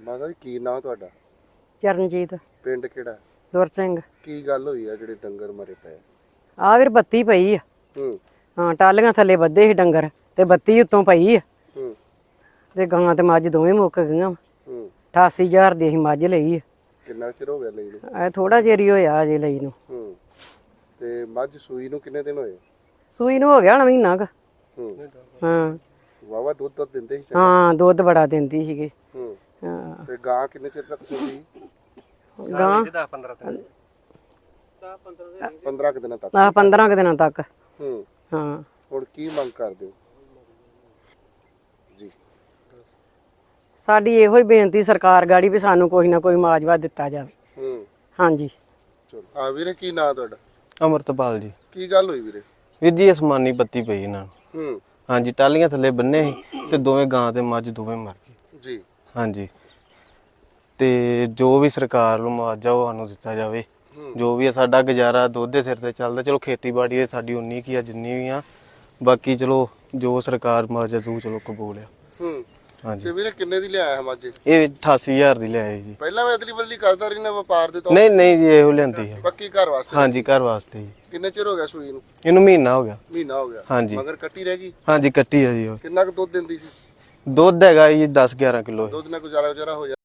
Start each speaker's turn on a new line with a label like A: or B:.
A: ਮਾਤਾ ਜੀ ਕੀ ਨਾਂ ਤੁਹਾਡਾ?
B: ਚਰਨਜੀਤ।
A: ਪਿੰਡ ਕਿਹੜਾ?
B: ਸੁਰ ਸਿੰਘ।
A: ਕੀ ਗੱਲ ਹੋਈ ਆ ਜਿਹੜੇ ਡੰਗਰ ਮਰੇ ਪਏ?
B: ਆ ਵੀਰ ਬੱਤੀ ਪਈ ਆ। ਹਾਂ, ਟਾਲੀਆਂ ਥੱਲੇ ਬੱਧੇ ਸੀ ਡੰਗਰ ਤੇ ਬੱਤੀ ਉੱਤੋਂ ਪਈ ਆ ਤੇ ਗਾਂ ਤੇ ਮੱਝ ਦੋਵੇਂ ਮੁੱਕ ਗਈਆਂ। 88,000 ਦੀ ਅਸੀਂ ਮੱਝ ਲਈ ਆ।
A: ਕਿੰਨਾ ਚਿਰ ਹੋ ਗਿਆ ਲਈ ਨੂੰ?
B: ਇਹ ਥੋੜਾ ਚਿਰ ਹੀ ਹੋਇਆ ਅਜੇ ਲਈ ਨੂੰ।
A: ਤੇ ਮੱਝ ਸੂਈ ਨੂੰ ਕਿੰਨੇ ਦਿਨ ਹੋਏ?
B: ਸੂਈ ਨੂੰ ਹੋ ਗਿਆ ਹੁਣ ਮਹੀਨਾ ਕ। ਹਾਂ,
A: ਵਾਵਾ ਦੁੱਧ ਦਿੰਦੇ ਸੀ?
B: ਹਾਂ, ਦੁੱਧ ਬੜਾ ਦਿੰਦੀ ਸੀਗੀ। ਹਾਂ,
A: ਤੇ ਗਾਂ ਕਿੰਨੇ ਚਿਰ ਤੱਕ ਸੂਈ?
B: ਗਾਂ
A: 15 ਦਿਨਾਂ ਤੱਕ।
B: 15 ਦਿਨਾਂ ਤੱਕ। ਹਾਂ,
A: ਹੁਣ ਕੀ ਮੰਗ ਕਰਦੇ ਹੋ ਜੀ?
B: ਸਾਡੀ ਇਹੋ ਹੀ ਬੇਨਤੀ ਸਰਕਾਰ ਗਾੜੀ ਵੀ ਸਾਨੂੰ ਕੋਈ ਨਾ ਕੋਈ ਮੁਆਵਜ਼ਾ ਦਿੱਤਾ ਜਾਵੇ। ਹਾਂਜੀ।
A: ਚਲੋ ਆ ਵੀਰੇ ਕੀ ਨਾਂ ਤੁਹਾਡਾ?
C: ਅਮਰਤਪਾਲ ਜੀ।
A: ਕੀ ਗੱਲ ਹੋਈ ਵੀਰੇ?
C: ਵੀਰ ਜੀ ਅਸਮਾਨੀ ਬੱਤੀ ਪਈ ਇਹਨਾਂ ਨੂੰ। ਹਾਂਜੀ, ਟਾਲੀਆਂ ਥੱਲੇ ਬੰਨੇ ਸੀ ਤੇ ਦੋਵੇਂ ਗਾਂ ਤੇ ਮੱਝ ਦੋਵੇਂ ਮਰ ਗਏ
A: ਜੀ।
C: ਹਾਂਜੀ, ਤੇ ਜੋ ਵੀ ਸਰਕਾਰ ਨੂੰ ਮੁਆਵਜ਼ਾ ਉਹ ਸਾਨੂੰ ਦਿੱਤਾ ਜਾਵੇ। ਜੋ ਵੀ ਆ ਸਾਡਾ ਗੁਜ਼ਾਰਾ ਦੁੱਧ ਦੇ ਸਿਰ ਤੇ ਚੱਲਦਾ। ਚਲੋ ਖੇਤੀਬਾੜੀ ਦੇ ਸਾਡੀ ਉਨੀ ਕੀ ਆ ਜਿੰਨੀ ਵੀ ਆ, ਬਾਕੀ ਚਲੋ ਜੋ ਸਰਕਾਰ ਮੁਆਵਜ਼ਾ ਦੂ ਚਲੋ ਕਬੂਲ ਆ। ਹਾਂਜੀ।
A: ਤੇ ਵੀਰੇ ਕਿੰਨੇ ਦੀ ਲਿਆਇਆ ਹੈ ਮੱਝ?
C: ਇਹ 88,000 ਦੀ ਲਿਆਏ ਜੀ।
A: ਪਹਿਲਾਂ ਮੈਂ ਅਦਲੀ ਬਦਲੀ ਕਰਦਾ ਰਹੀ ਨਾ ਵਪਾਰ ਦੇ ਤੌਰ?
C: ਨਹੀਂ ਜੀ, ਇਹੋ ਲੈਂਦੀ ਹੈ
A: ਪੱਕੀ ਘਰ ਵਾਸਤੇ?
C: ਹਾਂਜੀ, ਘਰ ਵਾਸਤੇ ਜੀ।
A: ਕਿੰਨੇ ਚਿਰ ਹੋ ਗਿਆ ਸੂਈ ਨੂੰ?
C: ਇਹਨੂੰ ਮਹੀਨਾ ਹੋ ਗਿਆ।
A: ਮਹੀਨਾ ਹੋ ਗਿਆ?
C: ਹਾਂਜੀ।
A: ਮਗਰ ਕੱਟੀ ਰਹਿ ਗਈ?
C: ਹਾਂਜੀ, ਕੱਟੀ ਆ ਜੀ। ਉਹ
A: ਕਿੰਨਾ ਕੁ ਦੁੱਧ ਦਿੰਦੀ ਸੀ?
C: ਦੁੱਧ ਹੈਗਾ ਜੀ 10-11 ਕਿਲੋ।
A: ਦੁੱਧ ਨਾਲ ਗੁਜ਼ਾਰਾ ਹੋ ਜਾਂਦਾ?